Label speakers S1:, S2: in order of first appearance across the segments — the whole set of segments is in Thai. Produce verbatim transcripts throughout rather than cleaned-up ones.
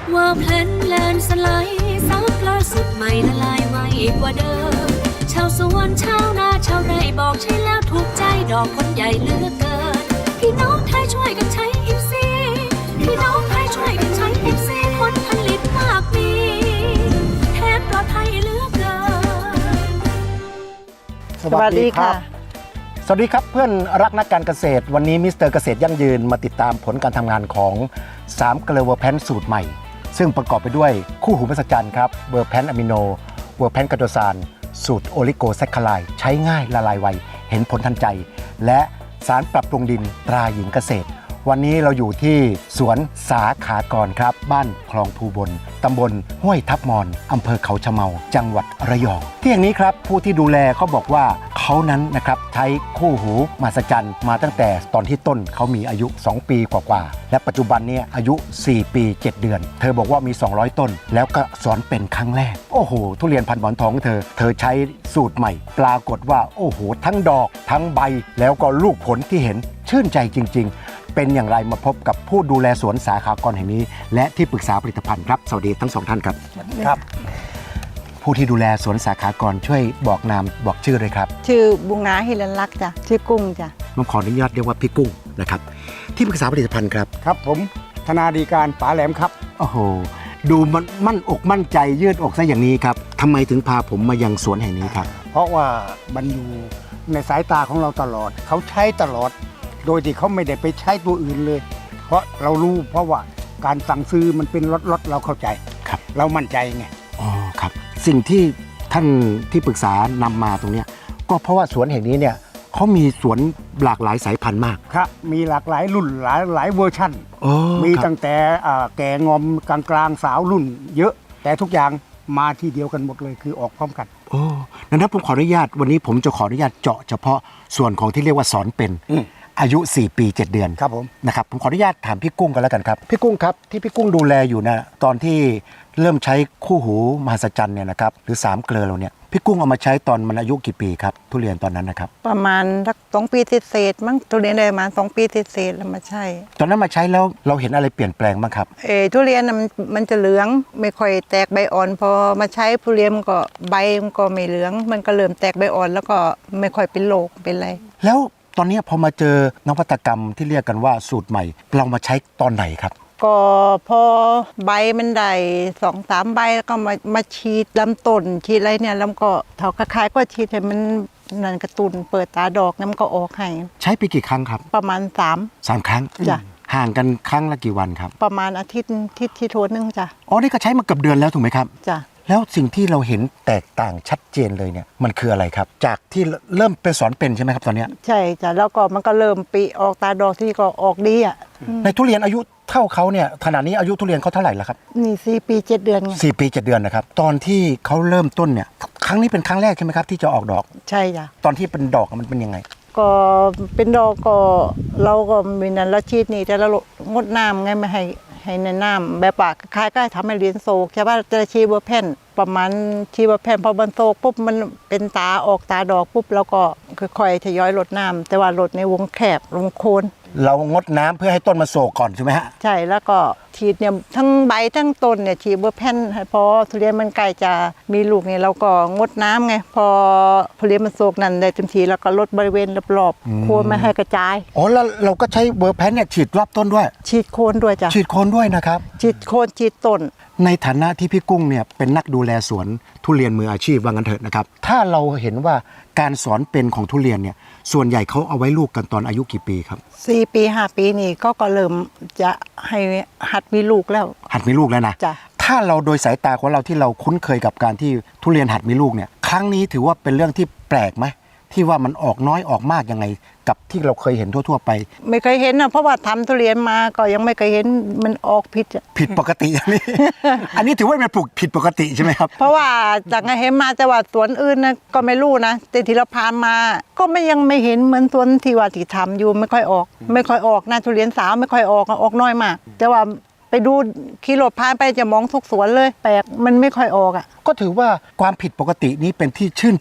S1: ว่าเพลนแลนสไลด์ซับล่าสุดใหม่ละลายไวกว่าเดิมชาวสวนชาวนาชาวไร่บอกใช่แล้วถูกใจดอกคนใหญ่เหลือเกินพี่น้องไทยช่วยกันใช้อิฟซีพี่น้องไทยช่วยกันใช้อิฟซีผลผลิตมากมีแทนปลอดภัยเหลือเกิน
S2: สวัสดีค่ะ
S3: สวัสดีครับเพื่อนรักนักการเกษตรวันนี้มิสเตอร์เกษตรยั่งยืนมาติดตามผลการทำงานของสามเกลือเวอร์แพนสูตรใหม่ซึ่งประกอบไปด้วยคู่หูมหัศจรรย์ครับเวอร์แพนอะมิโนเวอร์แพนกาโดซานสูตรโอลิโกแซคคาไลด์ใช้ง่ายละลายไวเห็นผลทันใจและสารปรับปรุงดินตราหญิงเกษตรวันนี้เราอยู่ที่สวนสาขากรครับบ้านคลองภูบลตำบลห้วยทับมอนอำเภอเขาชะเมาจังหวัดระยองที่แห่งนี้ครับผู้ที่ดูแลเขาบอกว่าเขานั้นนะครับใช้คู่หูมหัศจรรย์มาตั้งแต่ตอนที่ต้นเขามีอายุสองปีกว่าๆและปัจจุบันนี้อายุสี่ปีเจ็ดเดือนเธอบอกว่ามีสองร้อยต้นแล้วก็สอนเป็นครั้งแรกโอ้โหทุเรียนพันธุ์หมอนทองเธอเธอใช้สูตรใหม่ปรากฏว่าโอ้โหทั้งดอกทั้งใบแล้วก็ลูกผลที่เห็นชื่นใจจริงๆเป็นอย่างไรมาพบกับผู้ดูแลสวนสาขากรแห่งนี้และที่ปรึกษาผลิตภัณฑ์ครับสวัสดีทั้งสองท่านครับครับผู้ที่ดูแลสวนสาขากรช่วยบอกนามบอกชื่อเลยครับ
S2: ชื่อบุงาฮิรันลักษ์จ้ะชื่อกุ้งจ้ะ
S3: ผมขออนุญาตเรียกว่าพี่กุ้งนะครับที่ปรึกษาผลิตภัณฑ์ครับ
S4: ครับผมธนาดีการป๋าแหลมครับ
S3: โอ้โหดูมันมั่นอกมั่นใจยืดอกซะอย่างนี้ครับทำไมถึงพาผมมายังสวนแห่งนี้ครับ
S4: เพราะว่ามันอยู่ในสายตาของเราตลอดเขาใช้ตลอดโดยที่เขาไม่ได้ไปใช้ตัวอื่นเลยเพราะเรารู้เพราะว่าการสั่งซื้อมันเป็นรถๆเราเข้าใจ
S3: ครับ
S4: เรามั่นใจไง
S3: อ๋อครับสิ่งที่ท่านที่ปรึกษานำมาตรงนี้ก็เพราะว่าสวนแห่งนี้เนี่ยเขามีสวนหลากหลายสายพันธุ์มาก
S4: ครับมีหลากหลายรุ่นหลายหลายเวอร์ชั่นมีตั้งแต่แก่งอมกลางกลางสาวรุ่นเยอะแต่ทุกอย่างมาที่เดียวกันหมดเลยคือออกพร้อมกัน
S3: โอ้นั้นผมขออนุญาตวันนี้ผมจะขออนุญาตเจาะเฉพาะส่วนของที่เรียกว่าสอนเป็นอายุสี่ปีเจ็ดเดือน
S4: ครับผม
S3: นะครับผมขออนุญาตถามพี่กุ้งกันแล้วกันครับพี่กุ้งครับที่พี่กุ้งดูแลอยู่นะตอนที่เริ่มใช้คู่หูมหัศจรรย์เนี่ยนะครับหรือสามเกลือเราเนี่ยพี่กุ้งเอามาใช้ตอนมันอายุกี่ปีครับทุเรียนตอนนั้นนะครับ
S2: ประมาณสักสองปีเศษมั้งทุเรียนได้มาสองปีเศษแล้วมาใช้
S3: ตอนนั้นมาใช้แล้วเราเห็นอะไรเปลี่ยนแปลงบ้างครับ
S2: เออทุเรียนมันมันจะเหลืองไม่ค่อยแตกใบอ่อนพอมาใช้ทุเรียนก็ใบมันก็ไม่เหลืองมันก็เริ่มแตกใบอ่อนแล้วก็ไม่ค่อยเป็นโรคเป็นอะไร
S3: แล้วตอนนี้พอมาเจอนวัตกรรมที่เรียกกันว่าสูตรใหม่เรามาใช้ตอนไหนครับ
S2: ก็พอใบมันได้สองสามใบแล้วก็มามาฉีดลำต้นฉีดอะไรเนี่ยแล้วก็เท่าคล้ายๆก็ฉีดให้มันนั่นกระตุ้นเปิดตาดอกน้ำก็ออกให้
S3: ใช้ไปกี่ครั้งครับ
S2: ประมาณสาม
S3: สามครั้ง
S2: จ้ะ
S3: ห่างกันครั้งละกี่วันครับ
S2: ประมาณอาทิตย์ที่ที่โทนนึงจ้ะ
S3: อ๋อนี่ก็ใช้มาเกือบเดือนแล้วถูกไหมครับ
S2: จ้ะ
S3: แล้วสิ่งที่เราเห็นแตกต่างชัดเจนเลยเนี่ยมันคืออะไรครับจากที่เริ่มเป็นสอนเป็นใช่ไหมครับตอนนี้
S2: ใช่จ้ะแล้วก็มันก็เริ่มปีออกตาดอกที่ก็ออกดีอ่ะ
S3: ในทุเรียนอายุเท่าเขาเนี่ยขณะนี้อายุทุเรียนเขาเท่าไหร่แล้วครับ
S2: นี่สี่ปีเจ็ดเดือนไง
S3: สี่ปีเจ็ดเดือนนะครับตอนที่เขาเริ่มต้นเนี่ยครั้งนี้เป็นครั้งแรกใช่ไหมครับที่จะออกดอก
S2: ใช่จ้ะ
S3: ตอนที่เป็นดอกมันเป็นยังไง
S2: ก็เป็นดอกก็เราก็มีนั้นเราฉีดนี่แต่เรางดน้ำไงไม่ให้ให้ในน้ำแบบปากคล้ายๆทำให้เลี้ยงโซกใช่ป่ะจะชีเบอร์แผ่นประมาณชีเบอร์แผ่นพอมันโซกปุ๊บมันเป็นตาออกตาดอกปุ๊บแล้วก็ค่อยๆทยอยลดน้ำแต่ว่าลดในวงแคบวงโคน
S3: เรางดน้ำเพื่อให้ต้นมาโศกก่อนใช่ไหมฮะ
S2: ใช่แล้วก็ฉีดเนี่ยทั้งใบทั้งต้นเนี่ยฉีดเบอร์แผ่นพอทุเรียนมันใกล้จะมีลูกเนี่ยเราก็งดน้ำไงพอทุเรียนมันโศกนั่นได้เต็มทีแล้วก็ลดบริเวณรอบๆโคนไม่ให้กระจาย
S3: อ๋อแล้วเราก็ใช้เบอร์แผ่นเนี่ยฉีดรอบต้นด้วย
S2: ฉีดโคนด้วยจ้ะ
S3: ฉีดโคนด้วยนะครับ
S2: ฉีดโคนฉีดต้น
S3: ในฐานะที่พี่กุ้งเนี่ยเป็นนักดูแลสวนทุเรียนมืออาชีพว่างั้นเถอะนะครับถ้าเราเห็นว่าการสอนเป็นของทุเรียนเนี่ยส่วนใหญ่เขาเอาไว้ลูกกันตอนอายุกี่ปีครับ
S2: สี่ปีห้าปีนี่ก็ก็เริ่มจะให้หัดมีลูกแล้ว
S3: หัดมีลูกแล้วนะ
S2: จ้ะ
S3: ถ้าเราโดยสายตาของเราที่เราคุ้นเคยกับการที่ทุเรียนหัดมีลูกเนี่ยครั้งนี้ถือว่าเป็นเรื่องที่แปลกไหมที่ว่ามันออกน้อยออกมากยังไงกับที่เราเคยเห็นทั่วๆไป
S2: ไม่เคยเห็นนะเพราะว่าทำทุเรียนมาก็ยังไม่เคยเห็นมันออกผิด
S3: ผิดปกติอย่างนี้ อันนี้ถือว่าเป็นปลูกผิดปกติใช่ไหมครับ
S2: เพราะว่าจากไงเห็นมาแต่ว่าสวนอื่นนะก็ไม่รู้นะแต่ที่เราพานมาก็ไม่ยังไม่เห็นเหมือนสวนที่ว่าที่ทำอยู่ไม่ค่อยออกไม่ค่อยออกนะทุเรียนสาวไม่ค่อยออกออกน้อยมากแต่ว่าไปดูขี่รถผ่านไปจะมองทุกสวนเลยแปลกมันไม่ค่อยออกอ่ะ
S3: ก็ถือว่าความผิดปกตินี้เป็นที่ชื่นใจ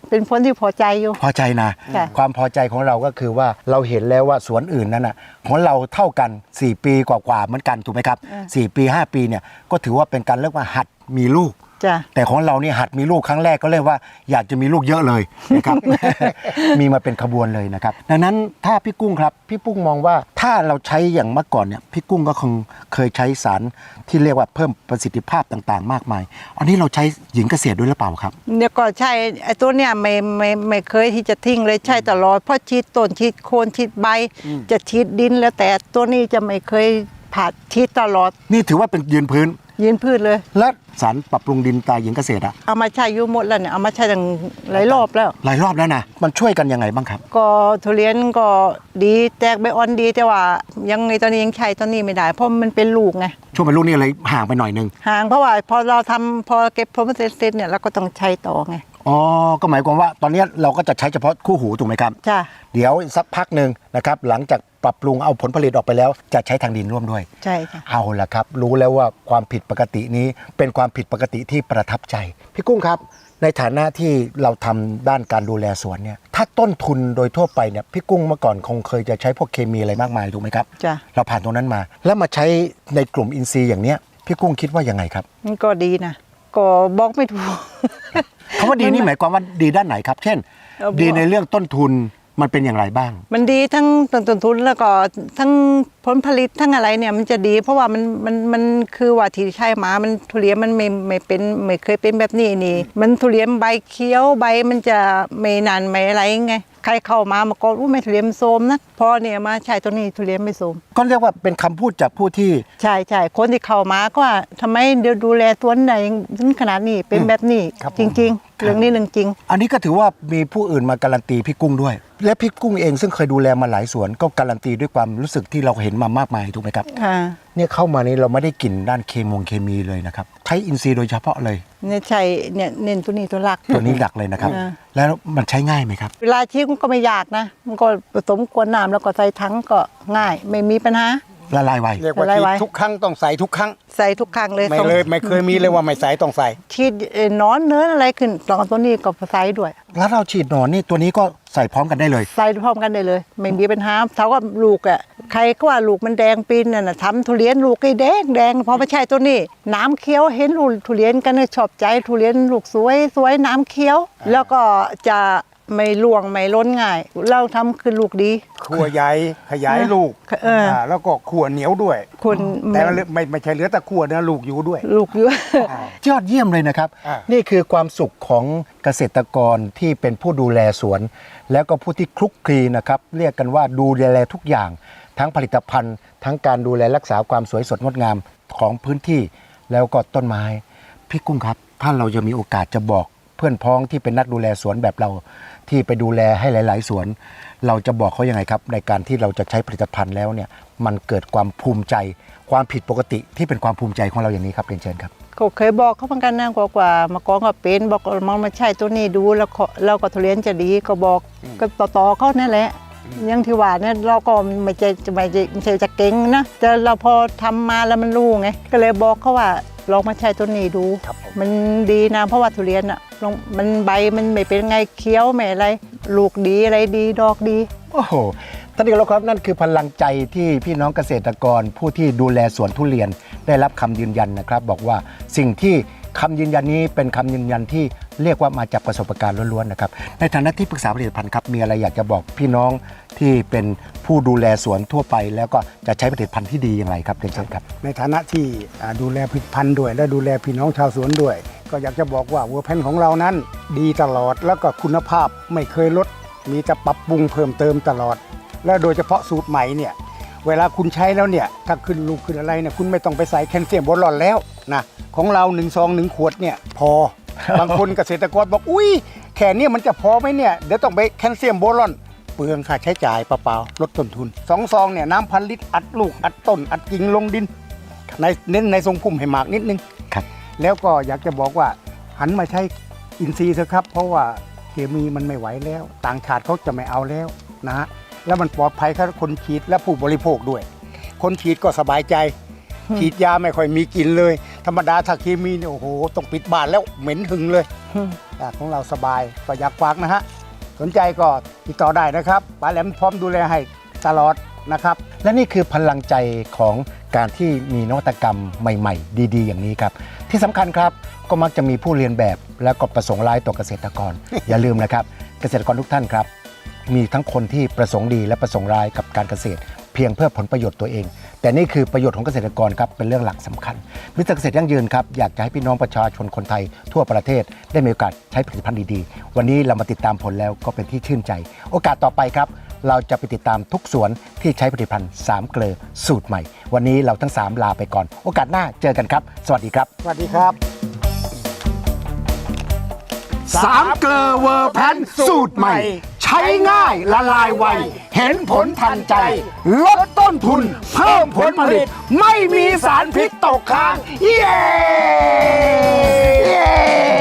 S2: เป็นผลที่พอใจอยู่
S3: พอใจนะ
S2: ค่ะ
S3: ความพอใจของเราก็คือว่าเราเห็นแล้วว่าสวนอื่นนั้นน่ะของเราเท่ากันสี่ปีกว่าๆเหมือนกันถูกไหมครับสี่ปีห้าปีเนี่ยก็ถือว่าเป็นการเรียกว่าหัดมีลูก
S2: จ้ะ
S3: แต่ของเราเนี่ยหัดมีลูกครั้งแรกก็เรียกว่าอยากจะมีลูกเยอะเลยนะครับ มีมาเป็นขบวนเลยนะครับดังนั้นถ้าพี่กุ้งครับพี่กุ้งมองว่าถ้าเราใช้อย่างเมื่อก่อนเนี่ยพี่กุ้งก็คงเคยใช้สารที่เรียกว่าเพิ่มประสิทธิภาพต่างๆ มากมาย อันนี้เราใช้หญิงเกษตรด้วยหรือเปล่าครับ
S2: เดี๋ยวก็ใช่ไอ้ตัวเนี้ยไม่ไม่ไม่เคยที่จะทิ้งเลยใช่ตลอดเพราะฉีดต้นฉีดโคนฉีดใบ จะฉีดดินแล้วแต่ตัวนี้จะไม่เคยผ่าฉีดตลอด
S3: นี่ถือว่าเป็นยืนพื้น
S2: ยืนพืชเลย
S3: และสารปรับปรุงดินตาหญิงเกษตรอะ
S2: เอามาใช้อยู่หมดแล้วเนี่ยเอามาใช้ตั้งหลายรอบแล้ว
S3: หลายรอบแล้วนะมันช่วยกันยังไงบ้างครับ
S2: ก็ทุเรียนก็ดีแตกใบอ่อนดีแต่ว่ายังไงตอนนี้ยังใช้ตอนนี้ไม่ได้ เพราะมันเป็นลูกไง
S3: ช่วงเป็นลูกนี่อะไรห่างไปหน่อยนึง
S2: ห่างเพราะว่าพอเราทำพอเก็บผลผลิตเสร็จเนี่ยเราก็ต้องใช้ต่อไง
S3: อ๋อก็หมายความว่าตอนนี้เราก็จะใช้เฉพาะคู่หูถูกไหมครับ
S2: จ้ะ
S3: เดี๋ยวสักพักหนึ่งนะครับหลังจากปรับปรุงเอาผลผลิตออกไปแล้วจะใช้ทางดินร่วมด้วย
S2: ใช่ค่ะ
S3: เอาละครับ รู้แล้วว่าความผิดปกตินี้เป็นความผิดปกติที่ประทับใจ พี่กุ้งครับ ในฐานะที่เราทำด้านการดูแลสวนเนี่ยถ้าต้นทุนโดยทั่วไปเนี่ยพี่กุ้งเมื่อก่อนคงเคยจะใช้พวกเคมีอะไรมากมายถูกไหมครับ
S2: จ้ะ
S3: เราผ่านตรงนั้นมา แล้วมาใช้ในกลุ่มอินทรีย์อย่างเนี้ยพี่กุ้งคิดว่ายังไงครับ
S2: มันก็ดีนะก็บอกไม่ถูก
S3: คำว่าดีนี่หมายความว่าดีด้านไหนครับ เช่น
S2: เออ
S3: ดีในเรื่องต้นทุนมันเป็นอย่างไรบ้าง
S2: มันดีทั้งต้นทุนแล้วก็ทั้งผลผลิตทั้งอะไรเนี่ยมันจะดี เพราะว่ามันมันมันคือว่าที่ใช่หมามันทุเรียนมันไม่ไม่เป็นไม่เคยเป็นแบบนี้นี่ มันทุเรียนใบเขียวใบมันจะไม่นานไม่อะไรไงใครเข้ามามาก็รู้ไม่ทุเรียนโทรมนะพอเนี่ยมาใช้ตัวนี้ทุเรียนไม่โทรม
S3: ก็เรียกว่าเป็นคำพูดจากผู้ที่
S2: ใช่ใช่คนที่เข้ามาก็ว่าทำไมเดี๋ยวดูแลตัวไหนถึงขนาดนี้เป็นแบบนี้
S3: ครับผม
S2: จริง ๆ เรื่องนี้เรื่องจริง
S3: อันนี้ก็ถือว่ามีผู้อื่นมาการันตีพี่กุ้งด้วย และพี่กุ้งเองซึ่งเคยดูแลมาหลายสวนก็การันตีด้วยความรู้สึกที่เราเห็นมามากมายถูกไหมครับ
S2: ค่ะ
S3: เนี่ยเข้ามานี้เราไม่ได้กลิ่นด้านเคมงเคมีเลยนะครับใช้อินทรีย์โดยเฉพาะเลย
S2: เนี่ยใช่เนี่ยเน้นตัวนี้ตัวหลัก
S3: ตัวนี้หลักเลยนะครับ
S2: อ่า
S3: แล้วมันใช้ง่ายไหมครับ
S2: เวลาชีมันก็ไม่ยากนะ มันก็ผสมกวนน้ำแล้วก็ใส่ถังก็ง่าย ไม่มีปัญหา
S3: ละลายไว
S4: เรียกว่า
S2: อะไร
S4: ฉีด
S2: ไว้
S4: ทุกครั้งต้องใส่ทุกครั้ง
S2: ใส่ทุกครั้งเลย
S4: ไม่
S2: ต้อง
S4: เลยไม่เคยมีเลยว่าไม่ใส่ต้องใส่
S2: ชีดเอ่อนอนเนื้ออะไรขึ้นตอนตัวนี้ก็ใส่ด้วย
S3: แล้วเราฉีดหนอนนี่ตัวนี้ก็ใส่พร้อมกันได้เลย
S2: ใส่พร้อมกันได้เลย ไม่มีปัญหาเท่ากับลูกอ่ะใครก็ว่าลูกมันแดงปีนน่ะนะทำทุเรียนลูกไอ้แดงแดงพอไม่ใช่ตัวนี้ น้ำเคี้ยวเห็นลูกทุเรียนกันเนี่ยชอบใจทุเรียนลูกสวยสวยน้ำเคี้ยว แล้วก็จะไม่ล่วงไม่ล้นง่าย เราทำคือลูกดี
S4: ขั่วใหญ่ขยายลูก
S2: เอออ่
S4: าแล้วก็ขั่วเหนียวด้วย
S2: คุณ
S4: แต่ไม่ไม่ไม่ใช่เหลือแต่ขั่วนะลูกอยู่ด้วย
S2: ลูกเยอะ
S3: ยอดเยี่ยมเลยนะครับ
S4: อ่านี่
S3: นี่คือความสุขของเกษตรกรที่เป็นผู้ดูแลสวน แล้วก็ผู้ที่คลุกคลีนะครับเรียกกันว่าดูแลทุกอย่าง ทั้งผลิตภัณฑ์ ทั้งการดูแลรักษาความสวยสดงดงามของพื้นที่แล้วก็ต้นไม้ พี่กุ้งครับถ้าเราจะมีโอกาสจะบอกเพื่อนพ้องที่เป็นนักดูแลสวนแบบเรา ที่ไปดูแลให้หลาย ๆ สวน เราจะบอกเขายังไงครับ ในการที่เราจะใช้ผลิตภัณฑ์แล้วเนี่ยมันเกิดความภูมิใจ ความผิดปกติที่เป็นความภูมิใจของเราอย่างนี้ครับเรียนเชิญครับ
S2: ก็เคยบอกเขาเหมือนกันนะกว่ากว่ามาก่อนก็เป็นบอกมองมาใช่ตัวนี้ดูแล้วก็เราก็ทุเรียนจะดีก็บอกก็ต่อๆเขานั่นแหละอยังที่ว่าเนี่ยเราก็ไม่ใช่ไม่ใช่ไม่ใช่จะเก่งนะแต่เราพอทำมาแล้วมันรู้ไงก็เลยบอกเขาว่าลองมาใช้ตัวนี้ดู
S3: ครับผม
S2: มันดีนะเพราะว่าทุเรียนอ่ะลองมันใบมันไม่เป็นไงเคี้ยวไม่อะไรลูกดีอะไรดีดอกดี
S3: โอ้โหท่านที่เคารพครับนั่นคือพลังใจที่พี่น้องเกษตรกร ผู้ที่ดูแลสวนทุเรียนได้รับคำยืนยันนะครับ บอกว่าสิ่งที่คำยืนยันนี้เป็นคำยืนยันที่เรียกว่ามาจากประสบการณ์ล้วนๆนะครับในฐานะที่ปรึกษาผลิตภัณฑ์ครับมีอะไรอยากจะบอกพี่น้องที่เป็นผู้ดูแลสวนทั่วไป แล้วก็จะใช้ผลิตภัณฑ์ที่ดีอย่างไรครับเรียนเชิญครับ
S4: ในฐานะที่อ่าดูแลผลิตภัณฑ์ด้วย และดูแลพี่น้องชาวสวนด้วย ก็อยากจะบอกว่าวัวแพนของเรานั้นดีตลอดแล้วก็คุณภาพไม่เคยลด มีแต่ปรับปรุงเพิ่มเติมตลอด และโดยเฉพาะสูตรใหม่เนี่ยเวลาคุณใช้แล้วเนี่ยถ้าขึ้นลูกขึ้นอะไรเนี่ยคุณไม่ต้องไปใส่แคลเซียมโบรอนแล้วนะของเราหนึ่งซองหนึ่งขวดเนี่ยพอ บางคนเกษตรกรบอกอุ้ยแค่เนี้มันจะพอไหมเนี่ยเดี๋ยวต้องไปแคลเซียมโบรอน เปลืองค่าใช้จ่ายเปล่าๆลดต้นทุนสองซองเนี่ยน้ำพันลิตรอัดลูกอัดต้นอัดกิ่งลงดินในเน้นในทรงพุ่มให้มากนิดนึง
S3: ครับ
S4: แล้วก็อยากจะบอกว่าหันมาใช้อินทรีย์เถอะครับ เพราะว่าเคมีมันไม่ไหวแล้ว ต่างชาติเขาจะไม่เอาแล้วนะฮะแล้วมันปลอดภัยกับคนฉีดและผู้บริโภคด้วย คนฉีดก็สบายใจฉีดยาไม่ค่อยมีกลิ่นเลย ธรรมดาถ้าเคมีเนี่ยโอ้โหต้องปิดบ้านแล้วเหม็นหึงเลยแต่ของเราสบายก็อยากฝากนะฮะสนใจก็ติดต่อได้นะครับป๋าแหลมพร้อมดูแลให้ตลอดนะครับ
S3: และนี่คือพลังใจของการที่มีนวัตกรรมใหม่ๆ ดีๆ อย่างนี้ครับที่สำคัญครับก็มักจะมีผู้เรียนแบบและก็ประสงค์ร้ายต่อเกษตรกร อย่าลืมนะครับเกษตรกรทุกท่านครับมีทั้งคนที่ประสงค์ดีและประสงค์ร้ายกับการเกษตร เพียงเพื่อผลประโยชน์ตัวเอง แต่นี่คือประโยชน์ของเกษตรกรครับเป็นเรื่องหลักสำคัญมิสเตอร์เกษตรยั่งยืนครับอยากจะให้พี่น้องประชาชนคนไทยทั่วประเทศได้มีโอกาสใช้ผลิตภัณฑ์ดีๆวันนี้เรามาติดตามผลแล้วก็เป็นที่ชื่นใจ โอกาสต่อไปครับเราจะไปติดตามทุกสวนที่ใช้ผลิตภัณฑ์สามเกลอสูตรใหม่วันนี้เราทั้งสามลาไปก่อนโอกาสหน้าเจอกันครับสวัสดีครับ
S4: สวัสดีครับ
S3: สามเกลอเวอร์แพนสูตรใหม่ ใช้ง่ายละลายไว เห็นผลทันใจ ลดต้นทุน เพิ่มผลผลิต ไม่มีสารพิษตกค้าง เย้